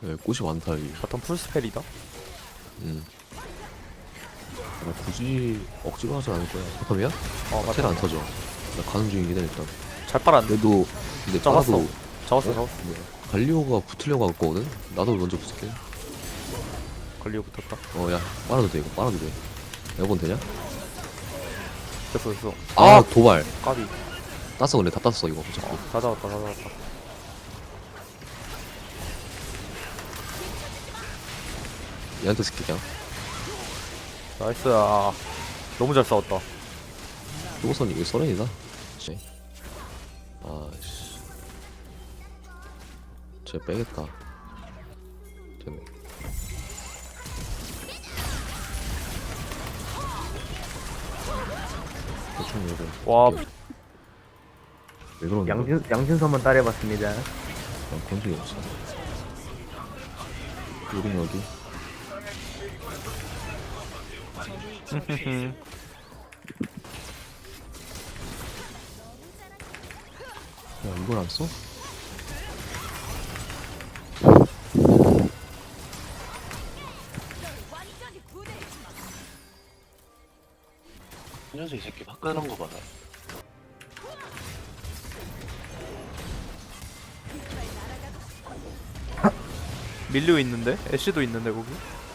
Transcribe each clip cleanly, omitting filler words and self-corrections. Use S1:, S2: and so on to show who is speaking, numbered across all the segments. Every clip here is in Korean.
S1: 네, 꽃이 많다 여기.
S2: 바텀 풀스펠이다.
S1: 굳이 억지로 하지 않을 거야. 바텀이야?
S2: 맞다.
S1: 텔 안 터져. 나 가는 중이긴 해 일단.
S2: 잘 빨았네.
S1: 그래도 근데
S2: 잡았어.
S1: 빨아도
S2: 잡았어.
S1: 갈리오가 붙으려고 할 거거든? 나도 먼저 붙을게.
S2: 걸리고 붙었다.
S1: 야 빨아도 돼 이거 빨아도 돼. 에어본 되냐?
S2: 됐어.
S1: 도발.
S2: 까비.
S1: 땄어 근데 다 땄어 이거 어차피.
S2: 다 잡았다.
S1: 얘한테 스킬 그냥.
S2: 나이스. 너무 잘 싸웠다.
S1: 요거선 이거 서렌이다. 씨. 아씨. 쟤 빼겠다. 됐네. 대충 이거.
S2: 와,
S1: 왜 그러는 거야?
S3: 양진서만 따라해봤습니다.
S1: 난 건적이 없어. 우린 여기. 야 이걸 안 써?
S4: 이 녀석 이 새끼 화끈한 거 봐라.
S2: 밀류 있는데? 애쉬도 있는데 거기?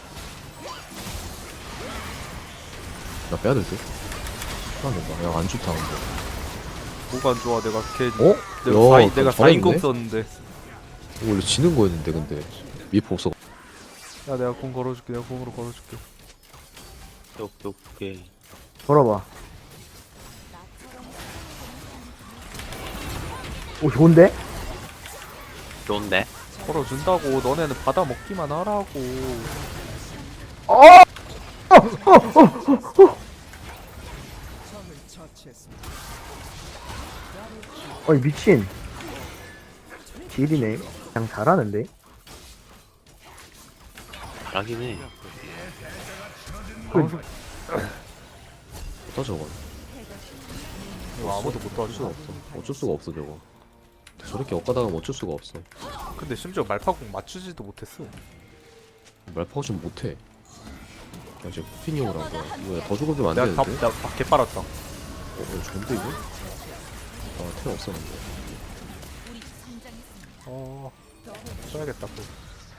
S1: 나 빼야 될 듯? 안 된다. 야, 안 좋다, 근데.
S2: 뭐가 안 좋아? 내가 걔 내가 4인공 썼는데.
S1: 이거 원래 지는 거였는데, 근데. 미포 없어.
S2: 야, 내가 공 걸어줄게. 내가 공으로 걸어줄게.
S4: 똑똑해.
S3: 걸어봐. 오, 좋은데?
S4: 좋은데?
S2: 걸어준다고. 너네는 받아 먹기만 하라고.
S3: 어이, 미친. 딜이네. 그냥 잘하는데?
S4: 잘하긴 해.
S1: 어떠, 저건?
S2: 이거 아무도 못
S1: 어쩔 수가
S2: 도와줘.
S1: 없어. 어쩔 수가 없어, 저거. 저렇게 엇가다가면 어쩔 수가 없어.
S2: 근데 심지어 말파공 맞추지도 못했어.
S1: 말파고 좀 못해. 야, 이제 쿠피니오를 한 거야. 이거 더 죽어주면 안
S2: 내가
S1: 되는데?
S2: 다 개빨았다.
S1: 좋은데, 이거? 텔 없어, 근데.
S2: 써야겠다. 그거.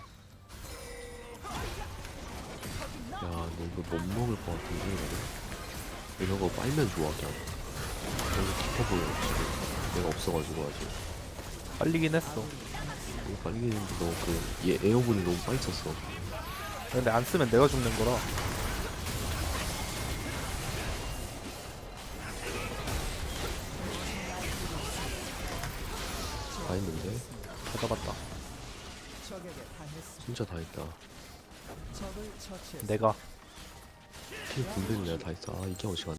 S1: 야, 너 이거 못 먹을 것 같은데, 이거? 이런 거 빨면 좋아, 그냥. 너무 깊어 보여, 지금. 내가 없어가지고, 아직.
S2: 빨리긴 했어.
S1: 이거 빨리 했는데, 얘 에어본이 너무 빨리 쳤어.
S2: 근데 안 쓰면 내가 죽는 거라.
S1: 다 했는데?
S2: 다 잡았다.
S1: 진짜 다 했다.
S2: 내가
S1: 킬 군대는 내가 다 했어. 이게 어시간